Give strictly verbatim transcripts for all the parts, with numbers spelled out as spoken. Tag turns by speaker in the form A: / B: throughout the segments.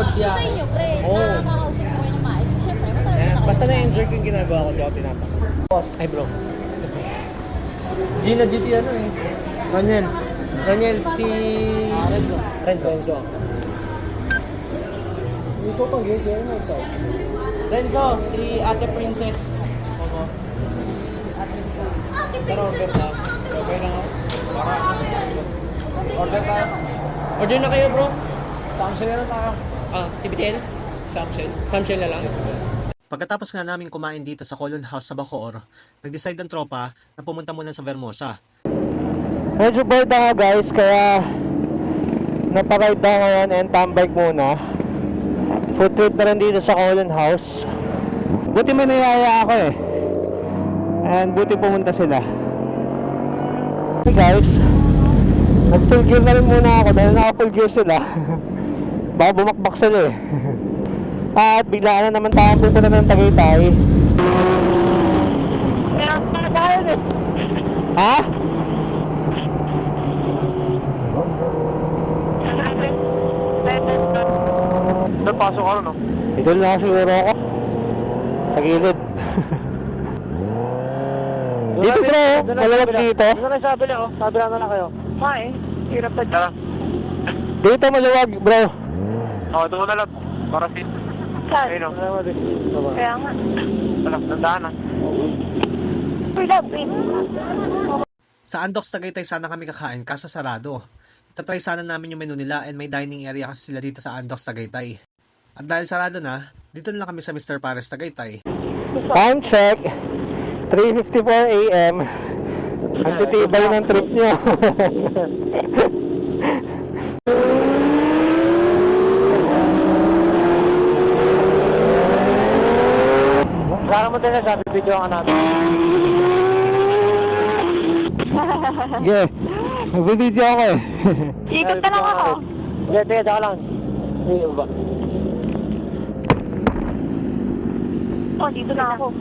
A: magbiyahe.
B: Sa inyo, pre,
A: Oo.
B: nakakausap ko kayo na maayos. Siyempre, matagal
A: Eh,
B: na kayo.
A: basta na-enjoy ko yung ginagawa ko, di ako tinapak. Ay bro.
C: Gina G si ano eh. Roniel. Roniel, si...
A: Renzo.
C: Renzo.
A: Renzo. Gusto pang gate yun, Renzo.
C: Renzo, si Ate Princess. Oo.
B: Ate
A: Pero
B: Princess,
A: order na.
B: oh, ate
A: Okay na nga. Para
C: Order tayo. Order na kayo bro.
A: Samsung na lang tayo.
C: Ah, si B T L?
A: Samsung.
C: Samshell na lang.
D: Pagkatapos nga namin kumain dito sa Colon House sa Bacoor, nag-decide ang tropa na pumunta muna sa Vermosa.
E: Medyo bored na nga guys, kaya naparide na ngayon and tambike muna. Food trip na rin dito sa Colon House. Buti may niyaya ako eh. And buti pumunta sila. Hey guys, nag-full gear na rin muna ako dahil naka-full gear sila. Baka bumakbak sila eh. At biglaan na naman tayong pupunta ng Tagaytay. Ha?
C: Napasok ako no?
E: Idol na siguro ako. Sa gilid. Dito bro, malawag dito.
C: Ano na sabi niya oh? Sabi na lang kayo. Ma eh, hirap na dyan.
E: Dito maluwag bro.
C: Oo, ito ko na lang. Para si...
B: Saan?
C: Ayun o.
B: Kaya nga.
C: Wala, nandaan na.
B: We love it.
D: Sa Andox Tagaytay sana kami kakain kaso sarado. Itatry sana namin yung menu nila and may dining area kasi sila dito sa Andox Tagaytay. At dahil sarado na, dito na lang kami sa mister Pares Tagaytay.
E: Time check. three fifty-four a m Ang titibay ng trip nyo.
C: Kaya mo din na sabi, video ka natin.
E: Okay, nagbibideo ako eh.
B: Ikot na lang ako.
C: Hindi, teka, teka lang. Hindi ba?
B: Oh, dito na ako.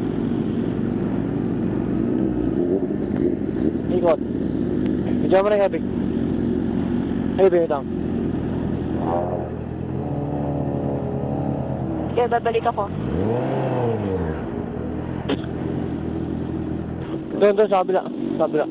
C: Ikot. Video mo na yung epic. Ay, video lang.
B: Kaya babalik ako.
C: Doon, doon, sa kabila. Sa kabila.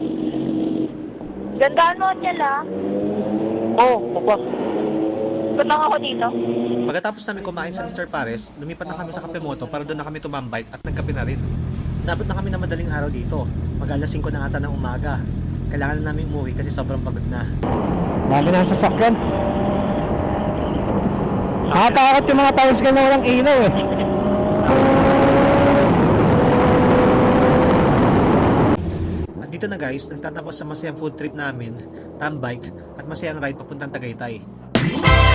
B: Gandaan mo niya lang.
C: Oo, oh, magpas.
B: Ba't lang ako dito?
D: Pagkatapos namin kumain sa mister Pares, lumipat na kami sa Kapemoto para doon na kami tumambike at nagkape na rin. Nabot na kami na madaling araw dito. Mag alas singko na ata ng umaga. Kailangan na namin umuwi kasi sobrang pagod na.
E: Dami na ang sasakyan. Nakatakot yung mga tricycle na walang ilaw eh.
D: At dito na guys, nagtatapos sa masayang food trip namin, tambike at masayang ride papuntang Tagaytay.